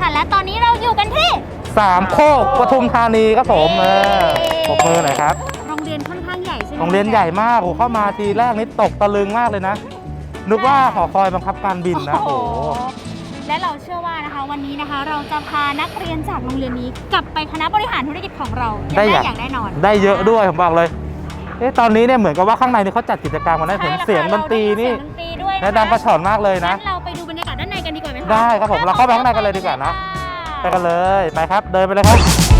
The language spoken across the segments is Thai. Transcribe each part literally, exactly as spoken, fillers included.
ค่ะและตอนนี้เราอยู่กันที่สามโคกปทุมธานีครับผมเออปรบมือหน่อยครับโรงเรียนค่อนข้างใหญ่ใช่ไหมโรงเรียนใหญ่มากโอ้เข้ามาทีแรกนี่ตกตะลึงมากเลยนะนึกว่าหอคอยบังคับการบินนะโอ้และเราเชื่อว่านะคะวันนี้นะคะเราจะพานักเรียนจากโรงเรียนนี้กลับไปคณะบริหารธุรกิจของเราได้อย่างแน่นอนได้เยอะด้วยผมบอกเลยเอ๊ะตอนนี้เนี่ยเหมือนกับว่าข้างในนี่เขาจัดกิจกรรมกันได้เห็นเสียงดนตรีนี่และดังกระฉ่อนมากเลยนะเราไปดูบรรยากาศด้านในกันดีกว่าไหมคะได้ครับผมเราเข้าไปข้างในกันเลยดีกว่านะไปกันเลยไปครับเดินไปเลยครับ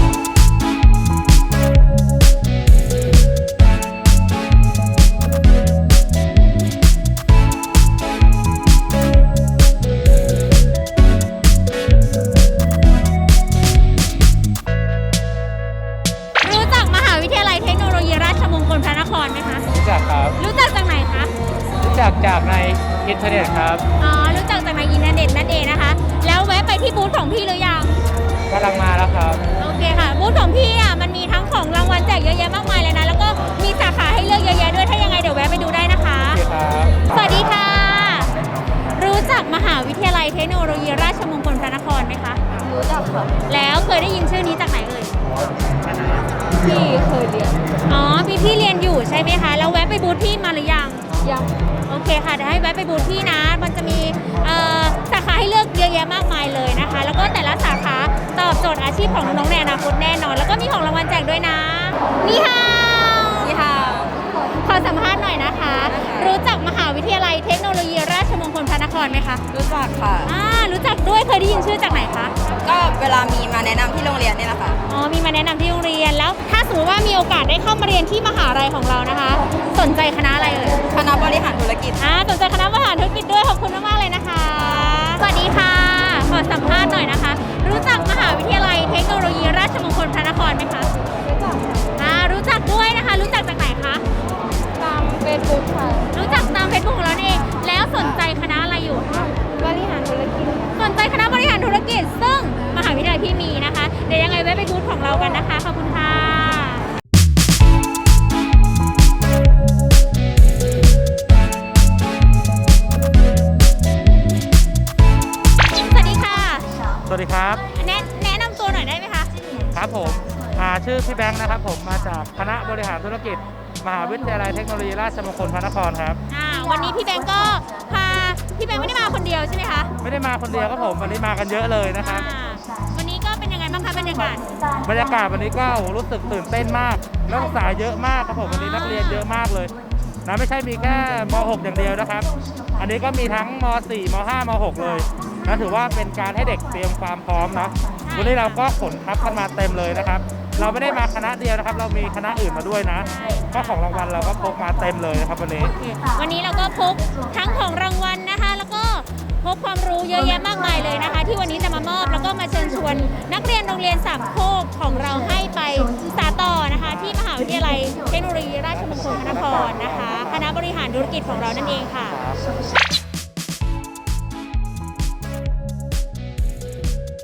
รู้จักมหาวิทยาลัยเทคโนโลยีราชมงคลพระนครไหมคะรู้จักครับรู้จักจากไหนคะรู้จักจากในอินเทอร์เน็ตครับอ๋อรู้จักจากในอินเทอร์เน็ตนั่นเองนะคะแล้วแวะไปที่บูธของพี่หรือยังกำลังมาแล้วครับโอเคค่ะบูธของพี่อ่ะมันมีทั้งของรางวัลแจกเยอะแยะมากมายเลยนะแล้วก็มีสาขาให้เลือกเยอะแยะด้วยถ้ายังไงเดี๋ยวแวะไปดูได้นะคะโอเคครับสวัสดีค่ะรู้จักมหาวิทยาลัยเทคโนโลยีราชมงคลพระนครไหมคะรู้จักค่ะแล้วเคยได้ยินชื่อนี้จากไหนเอ่ยพี่เคยเรียนอ๋อพี่พี่เรียนอยู่ใช่ไหมคะแล้วแวะไปบูธพี่มาหรือยังยังโอเคค่ะเดี๋ยวให้แวะไปบูธพี่นะมันจะมีสาขาให้เลือกเยอะแยะมากมายเลยนะคะแล้วก็แต่ละสาขาตอบโจทย์อาชีพของน้องๆในอนาคตแน่นอนแล้วก็มีของรางวัลแจกด้วยนะนี่ฮาวนี่ค่ะขอสัมภาษณ์หน่อยนะคะรู้จักมหาวิทยาลัยเทคโนโลยีราชมงคลพระนครไหมคะรู้จักค่ะอ่ารู้จักด้วยเคยได้ยินชื่อจากไหนคะก็เวลามีมาแนะนำที่โรงเรียนนี่แหละค่ะอ๋อมีมาแนะนำที่โรงเรียนแล้วถ้าสมมติว่ามีโอกาสได้เข้ามาเรียนที่มหาลัยของเรานะคะสนใจคณะอะไรเอ่ยคณะบริหารธุรกิจอ่าสนใจคณะบริหารธุรกิจด้วยขอบคุณมากๆเลยนะคะสวัสดีค่ะขอสัมภาษณ์หน่อยนะคะรู้จักมหาวิทยาลัยเทคโนโลยีราชมงคลพระนครไหมคะรู้จักอ่ารู้จักด้วยนะคะรู้จักจากไหนคะตามเฟซบุ๊กค่ะรู้จักตามเฟซบุ๊กของเราเองแล้วสนใจคณะอะไรอยู่คะบริหารธุรกิจสนใจคณะบริหารธุรกิจซึ่งมหาวิทยาลัยพี่มีนะคะเดี๋ยวยังไงแวะไปบูธของเรากันนะคะขอบคุณค่ะสวัสดีค่ะสวัสดีครับแนะแนะนำตัวหน่อยได้ไหมคะครับผมชื่อพี่แบงค์นะครับผมมาจากคณะบริหารธุรกิจมหาวิทยาลัยเทคโนโลยีราชมงคลพระนครครับอ่าวันนี้พี่แบงค์ก็พาพี่แบงค์ไม่ได้มาคนเดียวใช่ไหมคะไม่ได้มาคนเดียวครับผมวันนี้มากันเยอะเลยนะครับวันนี้ก็เป็นยังไงบ้างคะบรรยากาศบรรยากาศวันนี้ก็รู้สึกตื่นเต้นมากนักศึกษาเยอะมากครับผมวันนี้นักเรียนเยอะมากเลยนะไม่ใช่มีแค่ม หก อย่างเดียวนะครับอันนี้ก็มีทั้งม สี่ ม ห้า ม หก เลยนะถือว่าเป็นการให้เด็กเตรียมความพร้อมนะวันนี้เราก็ขนทัพกันมาเต็มเลยนะครับเราไม่ได้มาคณะเดียวนะครับเรามีคณะอื่นมาด้วยนะก็ของรางวัลเราก็พกมาเต็มเลยนะครับวันนี้วันนี้เราก็พกทั้งของรางวัลนะคะแล้วก็พกความรู้เยอะแยะมากมายเลยนะคะที่วันนี้จะมามอบแล้วก็มาเชิญชวนนักเรียนโรงเรียนสามโคกของเราให้ไปศึกษาต่อนะคะที่มหาวิทยาลัยเทคโนโลยีราชมงคลพระนครนะคะคณะบริหารธุรกิจของเรานั่นเองค่ะ